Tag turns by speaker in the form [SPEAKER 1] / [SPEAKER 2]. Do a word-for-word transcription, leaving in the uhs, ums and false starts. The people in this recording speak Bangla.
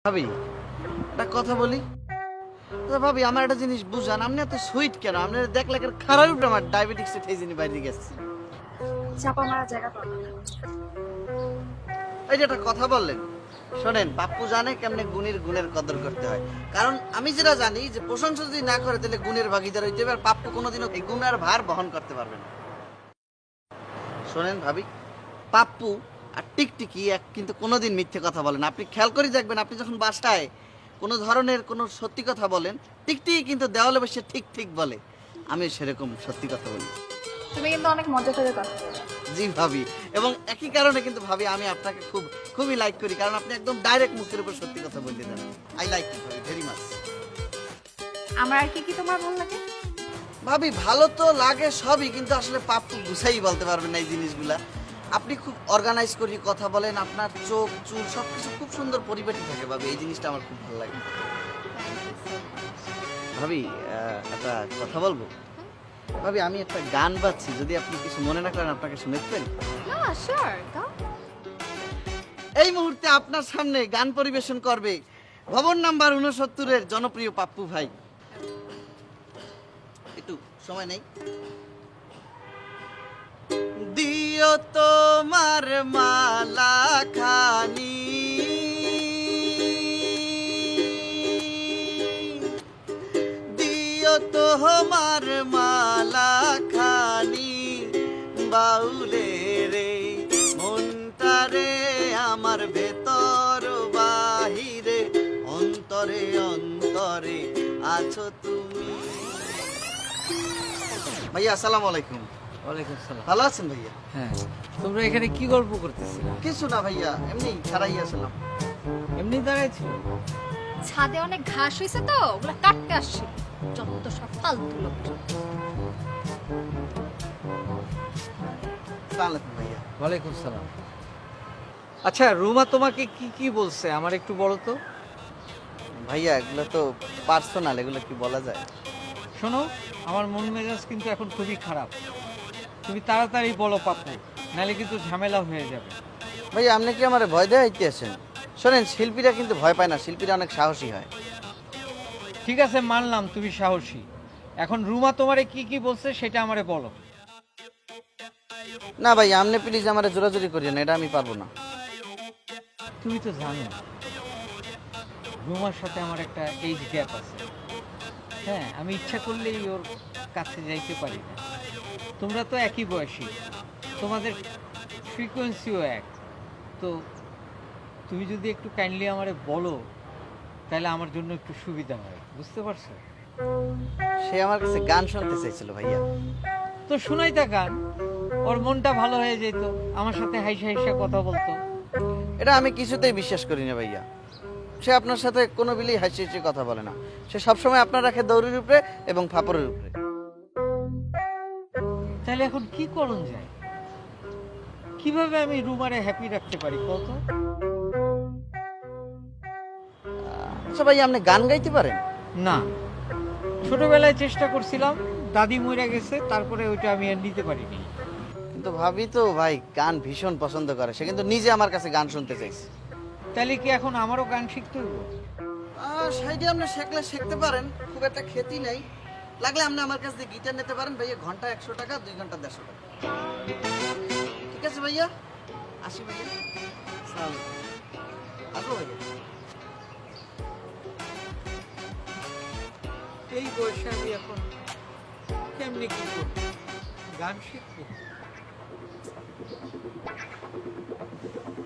[SPEAKER 1] ভাবি একটা কথা বলি। আচ্ছা ভাবি, আমার একটা জিনিস বুঝান, আপনি এত সুইট কেন? আপনি দেখলে খারাপ উপরে আমার ডায়াবেটিক্স এর ঠেজিনি বাইরে গেছে।
[SPEAKER 2] চাপা মারা জায়গা পাবো।
[SPEAKER 1] এই যে একটা কথা বললেন, শোনেন, পাপ্পু জানে কেমনে গুণের গুণের কদর করতে হয়। কারণ আমি যেটা জানি যে প্রশংসা যদি না করে তাহলে গুণের ভাগিদার হইতে হবে, আর পাপ্পু কোনোদিনও এই গুণের ভার বহন করতে পারবে না। শোনেন ভাবি, পাপ্পু আর টিকটিকি এক কিন্তু কোনোদিন মিথ্যে কথা বলেন। আপনি খেয়াল করে দেখবেন, আপনি যখন বাসায় কোনো ধরনের কোনো সত্যি কথা বলেন, টিকটিকি কিন্তু দেওয়ালে বসে ঠিক ঠিক বলে। আমি সেরকম সত্যি কথা বলি।
[SPEAKER 2] তুমি কিন্তু অনেক মজা করে কথা বলো।
[SPEAKER 1] জি ভাবি, এবং একই কারণে কিন্তু ভাবি আমি আপনাকে খুব খুবই লাইক করি, কারণ আপনি একদম ডাইরেক্ট মুখের উপর সত্যি কথা বলতে দেন। আই লাইক ইউ ভাবি ভেরি মাচ।
[SPEAKER 2] আমার আর কি কি তোমার ভালো লাগে?
[SPEAKER 1] ভাবি ভালো তো লাগে সবই, কিন্তু আসলে পাপ্পু গুছাই বলতে পারবেন না এই জিনিসগুলা। আপনি খুব অর্গানাইজ করে কথা বলেন, আপনার চোখ চুল সবকিছু খুব সুন্দর পরিপাটি থাকে ভাবি, এই জিনিসটা আমার খুব ভালো লাগে। ভাবি আহ, একটা কথা বলবো ভাবি, আমি একটা গান বাজছি, যদি আপনি কিছু মনে না করেন আপনাকে শুনেছেন।
[SPEAKER 2] না শিওর গাও।
[SPEAKER 1] এই মুহূর্তে আপনার সামনে গান পরিবেশন করবে ভবন নাম্বার উনসত্তরের জনপ্রিয় পাপ্পু ভাই। একটু সময় নেই। দিও তোমার মালা খানি, দিও তোমার মালা খানি, বাউলে রে মনটারে আমার ভেতর বাহিরে, অন্তরে অন্তরে আছো তুমি। ভাইয়া আসসালামু আলাইকুম।
[SPEAKER 3] ওয়ালাইকুম আসসালাম।
[SPEAKER 1] ভালো আছেন ভাইয়া?
[SPEAKER 3] হ্যাঁ, তোমরা এখানে কি গল্প করতেছিলে?
[SPEAKER 1] কিছু না ভাইয়া, এমনি ছাড়াই আসলাম।
[SPEAKER 3] এমনি দাঁড়াইছিল?
[SPEAKER 2] ছাদে অনেক ঘাস হয়েছে তো ওগুলা কাটতে আসছি। যত সব ফালতু লোক।
[SPEAKER 1] আসসালামু আলাইকুম ভাইয়া।
[SPEAKER 3] ওয়ালাইকুম সালাম। আচ্ছা, রুমা তোমাকে কি কি বলছে আমার একটু বলো তো।
[SPEAKER 1] ভাইয়া এগুলো তো পার্সোনাল, এগুলো কি বলা যায়?
[SPEAKER 3] শোনো, আমার মন মেজাজ কিন্তু এখন খুবই খারাপ। তুমি তাড়াতাড়ি বলো পাপ্পু, নাহলে কিন্তু ঝামেলা হয়ে যাবে।
[SPEAKER 1] ভাইয়া আপনি কি আমার ভয় দেওয়া হইতে আছেন? শোনেন, শিল্পীরা কিন্তু ভয় পায় না, শিল্পীরা অনেক সাহসী হয়।
[SPEAKER 3] ঠিক আছে, মানলাম তুমি সাহসী। এখন রুমা তোমারে কি কি বলছে সেটা আমারে বলো।
[SPEAKER 1] না ভাই, আপনি প্লিজ আমার জোরাজোরি করিয়েন, এটা আমি পারবো না।
[SPEAKER 3] তুমি তো জানো রুমার সাথে আমার একটা এইজ গ্যাপ আছে। হ্যাঁ, আমি ইচ্ছা করলেই ওর কাছে যাইতে পারি না। তোমরা তো একই বয়সী, তোমাদের ফ্রিকোয়েন্সিও এক। তো তুমি যদি একটু কাইন্ডলি আমারে বলো তাহলে আমার জন্য একটু সুবিধা হয়, বুঝতে পারছো?
[SPEAKER 1] সে আমার কাছে গান শুনতে চাইছিল ভাইয়া।
[SPEAKER 3] তো শোনাই তা গান, ওর মনটা ভালো হয়ে যেত, আমার সাথে হাইসা হাইসা কথা বলতো।
[SPEAKER 1] এটা আমি কিছুতেই বিশ্বাস করি না ভাইয়া। সে আপনার সাথে কোনো বিলি হাসি হাসি কথা বলে না, সে সবসময় আপনার রাখে দৌড়ির উপরে এবং ফাপড়ের উপরে।
[SPEAKER 3] তাহলে এখন কি করণ যায়? কিভাবে আমি রুমারে হ্যাপি রাখতে পারি কত?
[SPEAKER 1] আচ্ছা ভাইয়া, আপনি গান গাইতে পারেন?
[SPEAKER 3] না, ছোটবেলায় চেষ্টা করছিলাম, দাদি মরে গেছে, তারপরে ওইটা আমি আর নিতে পারিনি।
[SPEAKER 1] কিন্তু ভাবি তো ভাই গান ভীষণ পছন্দ করে, সে কিন্তু নিজে আমার কাছে গান শুনতে চাইছে।
[SPEAKER 3] তাহলে কি এখন আমারও গান শিখতে হইব?
[SPEAKER 1] সাইডে আপনি শেখলে শিখতে পারেন, খুব একটা ক্ষতি নেই। লাগলে আপনি আমার কাছ থেকে গিটার নিতে পারেন ভাইয়া, ঘন্টা একশো টাকা, দুই ঘন্টা দেড়শো টাকা। ঠিক আছে ভাইয়া, আসি ভাইয়া। আসসালামু আলাইকুম। আসবো ভাইয়া।
[SPEAKER 3] এই বয়সে আমি এখন কেমনি কি করব? গান শিখবো?